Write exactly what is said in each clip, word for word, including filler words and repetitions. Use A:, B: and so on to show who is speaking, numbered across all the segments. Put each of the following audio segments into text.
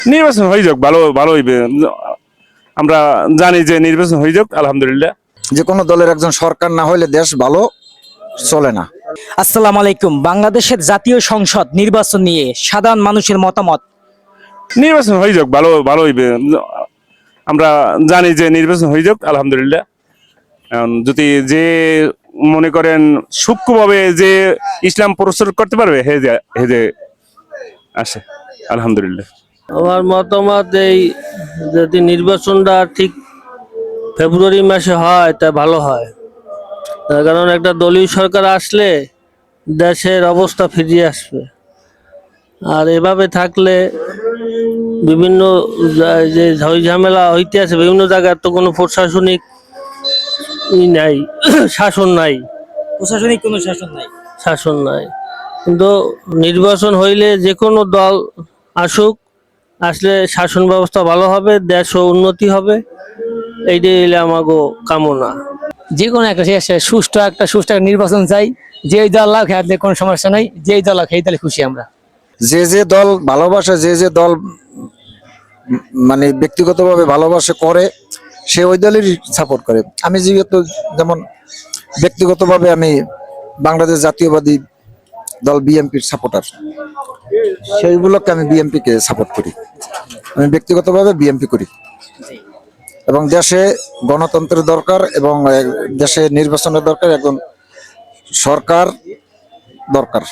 A: নির্বাচন হয়ে যাক, ভালো ভালো হইবে। আমরা জানি যে নির্বাচন হয়ে যাক, আলহামদুলিল্লাহ।
B: যে কোনো দলের একজন সরকার না হলে দেশ ভালো চলে না।
C: আসসালামু আলাইকুম। বাংলাদেশের জাতীয় সংসদ নির্বাচন নিয়ে সাধারণ মানুষের মতামত।
A: নির্বাচন হয়ে যাক, ভালো ভালো হইবে। আমরা জানি যে নির্বাচন হয়ে যাক, আলহামদুলিল্লাহ। এখন যদি যে মনে করেন সূক্ষ্মভাবে যে ইসলাম প্রচার করতে পারবে, হে যে হে যে আসে, আলহামদুলিল্লাহ।
D: আমার মতামত এই, যদি নির্বাচনটা ঠিক ফেব্রুয়ারি মাসে হয় তা ভালো হয়। তার কারণ একটা দলীয় সরকার আসলে দেশের অবস্থা ফিরিয়ে আসবে। আর এভাবে থাকলে বিভিন্ন জা- যে ঝই ঝামেলা হইতে আছে বিভিন্ন জায়গার, তো কোনো প্রশাসনিক ই নাই, শাসন নাই,
C: প্রশাসনিক কোনো শাসন নাই।
D: শাসন নাই। কিন্তু নির্বাচন হইলে যে কোনো দল আসুক, আসলে শাসন ব্যবস্থা ভালো হবে, দেশও উন্নতি হবে। এইটাই হইলে আমাগো কামনা।
C: যে কোনো একটা শেষে সুষ্ঠু একটা সুষ্ঠু একটা নির্বাচন চাই। যেই দল লাখ হাতে কোনো সমস্যা নাই, যেই দল লাখ এই দলে খুশি আমরা।
B: যে যে দল ভালোবাসে, যে যে দল উম মানে ব্যক্তিগতভাবে ভালোবাসে করে, সে ওই দলেরই সাপোর্ট করে। আমি যেহেতু যেমন ব্যক্তিগতভাবে আমি বাংলাদেশ জাতীয়বাদী দল বিএনপির সাপোর্টার, সেইগুলোকে আমি বিএনপি কে সাপোর্ট করি। আমি ব্যক্তিগতভাবে বিএনপি করি। এবং দেশে গণতন্ত্রের দরকার, এবং আহ, দেশে নির্বাচনের দরকার, একজন সরকার দরকার।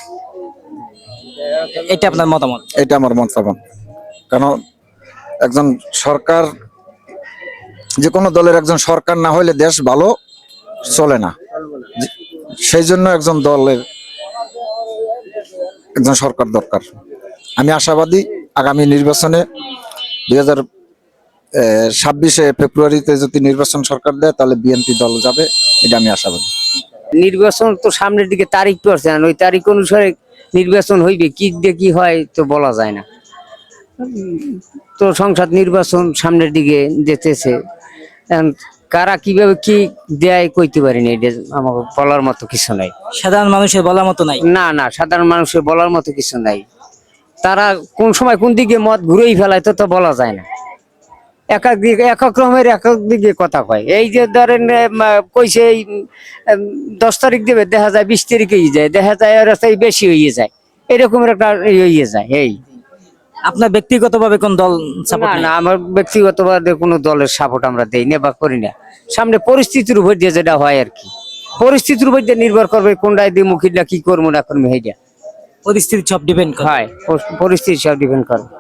C: এটা আপনার মতামত।
B: এটা আমার মতামত। কারণ একজন সরকার, যে কোনো দলের একজন সরকার না হলে দেশ ভালো চলে না। যে- সেই জন্য একজন দলের একজন সরকার দরকার। আমি আশাবাদী আগামী নির্বাচনে দুই হাজার ছাব্বিশে ফেব্রুয়ারিতে যদি নির্বাচন সরকার দেয়, তাহলে বিএনপি দল যাবে, এটা আমি আশাবাদী।
E: নির্বাচন তো সামনের দিকে তারিখ পড়ছে, ওই তারিখ অনুসারে নির্বাচন হইবে, কি দিয়ে কি হয় তো বলা যায় না। তো সংসদ নির্বাচন সামনের দিকে যেতেছে, এখন কারা কিভাবে কি দেয় কইতে পারিনি, এটা আমাকে বলার মতো কিছু নাই।
C: সাধারণ মানুষের বলার মতো নাই।
E: না না, সাধারণ মানুষের বলার মতো কিছু নাই। তারা কোন সময় কোন দিকে মত ঘুরেই ফেলায় তো তো বলা যায় না। এক এক দিকে এক এক রকমের এক এক দিকে কথা কয়। এই যে ধরেন এম, আহ, কইছে এই উম, দশ তারিখ দেবে, দেখা যায় বিশ তারিখেই যায়, দেখা যায় আর রাস্তায় বেশি হয়ে যায়, এরকমের একটা ই হয়ে যায়। এই
C: আপনার ব্যক্তিগতভাবে কোন দল সাপোর্ট
E: না
C: নাই?
E: না, আমার ব্যক্তিগতভাবে কোনো দলের সাপোর্ট আমরা দেই না বা করি না। সামনে পরিস্থিতির উপর দিয়ে যেটা হয় আর কি, পরিস্থিতির উপর দিয়ে নির্ভর করবে কোনটায় দিয়ে মুখিটা কি করবো না করবো, সেইটা
C: পরিস্থিতি সব ডিপেন্ড করে।
E: হয়, পরিস্থিতি সব ডিপেন্ড করে।